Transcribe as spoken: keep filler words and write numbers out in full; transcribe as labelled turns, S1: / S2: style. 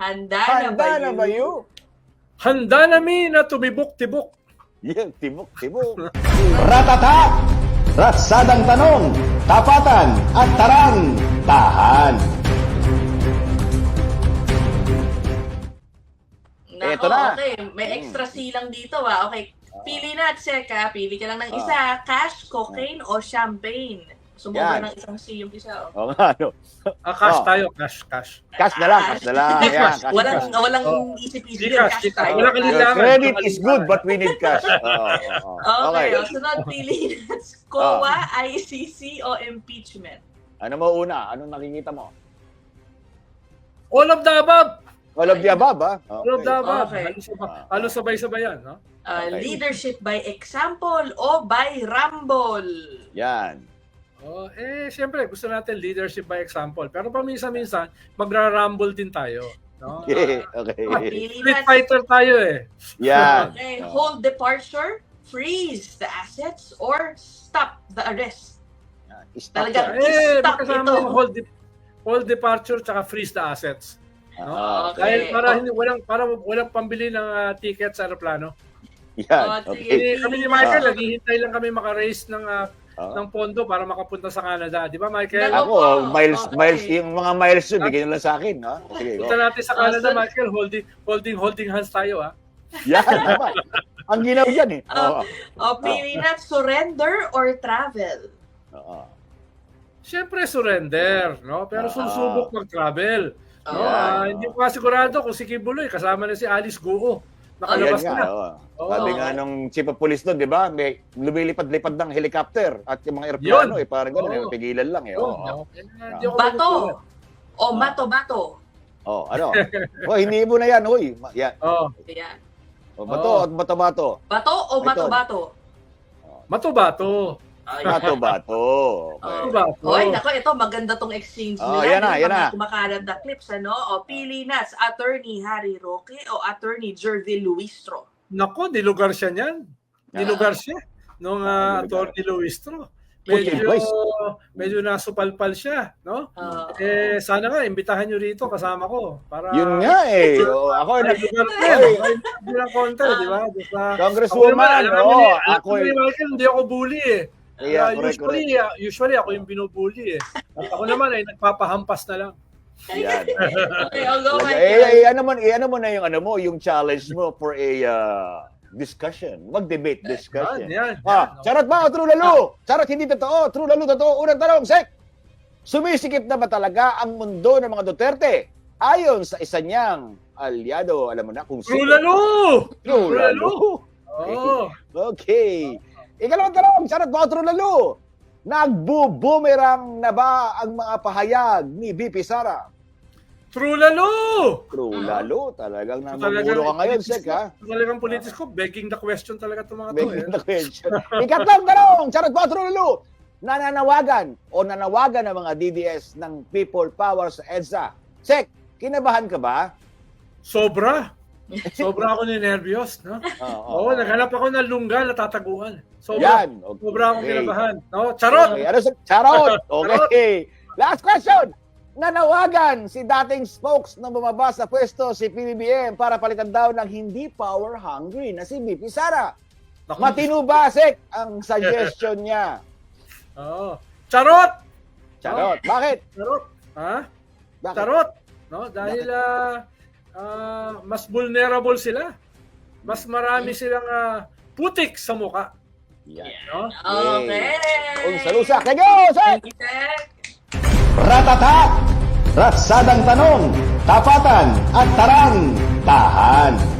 S1: Handa,
S2: Handa
S1: na ba you?
S3: Handa nami na tumibok-tibok.
S2: Yan, tibok, tibok.
S4: Ratata! Ratsadang tanong, tapatan at tarang, tahan.
S1: Nako,
S2: Eto na.
S1: okay. May extra C lang dito ah. Okay. Pili na, check ah. Pili ka lang ng isa. Cash, cocaine, o champagne. Sumobra
S2: Yan.
S1: ng isang C yung isa. Oh.
S2: O nga, ano.
S3: Ah, cash
S2: Oh.
S3: tayo, cash, cash.
S2: Cash na lang, cash na lang.
S1: Cash.
S2: Ayan, cash,
S1: walang,
S2: cash.
S1: walang
S3: Oh.
S1: isip-isip.
S3: Di cash,
S1: Cash
S3: di cash.
S1: tayo.
S3: Wala ka
S2: Your
S3: lilangan.
S2: credit is good, but we need cash. Oo, oo, oo.
S1: Okay.
S2: Okay.
S1: O, sunod, pili na. C O A, I C C, o impeachment?
S2: Ano mo una? Anong nakikita mo?
S3: All of the above.
S2: All of the above, ha?
S3: All of the above.
S1: Okay.
S3: Halos sabay- Halos sabay-sabay yan, no?
S1: Uh,
S2: Okay.
S1: Leadership by example o by rumble?
S2: Yan.
S3: Oh, eh, siyempre, gusto natin leadership by example. Pero paminsan-minsan, magra-rumble din tayo. No?
S2: Okay. Okay.
S1: Pili
S3: Street
S1: na.
S3: fighter tayo eh.
S2: Yan.
S1: Okay. Hold departure, freeze the assets, or stop the arrest?
S2: Stop
S1: Talaga.
S2: yan.
S3: Eh,
S1: Stop
S3: magkasama
S1: ito.
S3: yung hold, de- hold departure tsaka freeze the assets.
S2: Ah,
S1: Okay.
S3: Dahil para
S1: Oh.
S3: hindi walang para walang pambili ng ah, ticket sa aeroplano.
S2: Yan.
S1: Oh,
S2: Okay.
S1: sige.
S3: Eh, kami ni Michael, naghihintay lang kami maka-raise ng ah,
S2: Ah.
S3: ng pondo para makapunta sa Canada. Di ba, Michael?
S1: Dalawa.
S2: Ako, miles,
S1: Okay.
S2: miles, yung mga miles yun, bigyan nyo lang sa akin, ha? Sige, go.
S3: Punta natin sa Canada,
S1: Ah, so-
S3: Michael. Holding, holding, holding hands tayo, ah.
S2: Yan, naman. Ang ginaw yan, eh. Oo.
S1: O pili na, surrender or travel?
S2: Oo.
S3: Siyempre, surrender, no? Pero
S2: Ah.
S3: susubok mag-travel. No?
S2: Ayan.
S3: Ah, hindi ko nga sigurado kung si Kibuloy, kasama na si Alice Guo.
S2: Ayan
S3: Nakalabas
S2: nga,
S3: na.
S2: oo.
S3: Oo.
S2: Sabi nga nung chief of police doon, di ba? May lumilipad-lipad ng helicopter at yung mga aeroplano,
S3: Yun.
S2: eh, parang gano'n,
S3: Oo.
S2: eh, pigilan lang, eh.
S3: Yun,
S2: Oo.
S3: no? Eh, hindi ako
S1: Bato
S3: magugulat.
S1: o mato-bato?
S2: Oh, ano? Oh, hindi mo na yan, huy. Ma- Yan.
S3: Oh,
S1: Ayan.
S2: Oh, bato
S3: Oo.
S2: at bato-bato.
S1: Bato o
S2: Ito.
S1: mato-bato?
S3: mato-bato.
S2: Bato-bato. Okay.
S1: Oh.
S3: Mato-bato.
S1: Oy, nako, ito maganda tong exchange
S2: Oh,
S1: nila.
S2: yan na,
S1: yung
S2: yan
S1: mga
S2: na.
S1: kumakalat na clips, ano? O pili na, sa Attorney Harry Roque o Attorney Jervil Luistro?
S3: Nako, nilugar siya niyan. Nilugar siya nung uh,
S2: Ah, nilugar.
S3: Attorney Luistro.
S2: Okay,
S3: Medyo,
S2: guys.
S3: medyo nasupalpal siya, no?
S1: Ah,
S3: Eh, sana nga, imbitahan nyo rito, kasama ko. Para,
S2: Yun nga, eh. Oh, ako,
S3: Ay,
S2: nag-
S3: lugar ko yan.
S2: Oy.
S3: Ay, hindi lang konti, di ba? Basta,
S2: Congresswoman,
S3: ako naman, alam
S2: oo,
S3: niyo, alam
S2: ako,
S3: niyo
S2: eh.
S3: ni Michael, hindi ako bully eh.
S2: Yeah,
S3: Ah,
S2: correct,
S3: usually, ah, usually ako yung binubully eh. At ako naman ay nagpapahampas na lang.
S2: Yan.
S1: Okay, I'll go,
S2: Talaga,
S1: Michael.
S2: eh, eh, ano mo, eh, ano mo na yung ano mo, yung challenge mo for a uh, discussion. Mag-debate discussion.
S3: Yan, yan.
S2: Ah,
S3: yan.
S2: charot ba o true lalo? Charot hindi totoo, true lalo totoo. Unang tanong, Sek. Sumisikip na ba talaga ang mundo ng mga Duterte? Ayon sa isa niyang aliado, alam mo na kung
S3: True lalo!
S2: True lalo.
S3: Oo.
S2: Okay. Ikalawang tanong, charot ba o true lalo? Nagbo-boomerang na ba ang mga pahayag ni V P Sara?
S3: True lalo!
S2: True
S1: Ah.
S2: lalo. Talagang
S3: Talagang
S2: namumuro ka ngayon,
S3: politics
S2: Sek, ha?
S3: ko- Talagang politics ko, begging the question talaga itong mga to eh.
S2: Begging the question. Ikatlong tanong, charot ba o true lalo? Nananawagan o nanawagan ng mga D D S ng People Power sa EDSA. Sek, kinabahan ka ba?
S3: Sobra. Sobra ako ni nervyos, no?
S2: Oo.
S3: Oo, naghanap ako ng lungga na tataguan. Sobra.
S2: Yan. Okay.
S3: Sobra akong kinabahan. No? Charot!
S2: Okay. Ano sa charot? Okay. Last question. Nanawagan si dating spokes na bumaba sa pwesto si P B B M para palitan daw ng hindi power hungry na si V P Sara.
S3: Naku,
S2: Matino ba, Sek, ang suggestion niya?
S3: Oo. Charot!
S2: Charot. Bakit?
S3: Charot. Ha?
S2: Bakit?
S3: Charot. No? Dahil ah, ah, mas vulnerable sila. Mas marami silang ah, putik sa muka.
S2: Yan.
S3: No?
S1: Okay.
S2: Kung salusa. Kaya go, Sek!
S1: Thank you, Sek.
S4: Ratata! Ratsadang tanong, tapatan at tarang, tahan.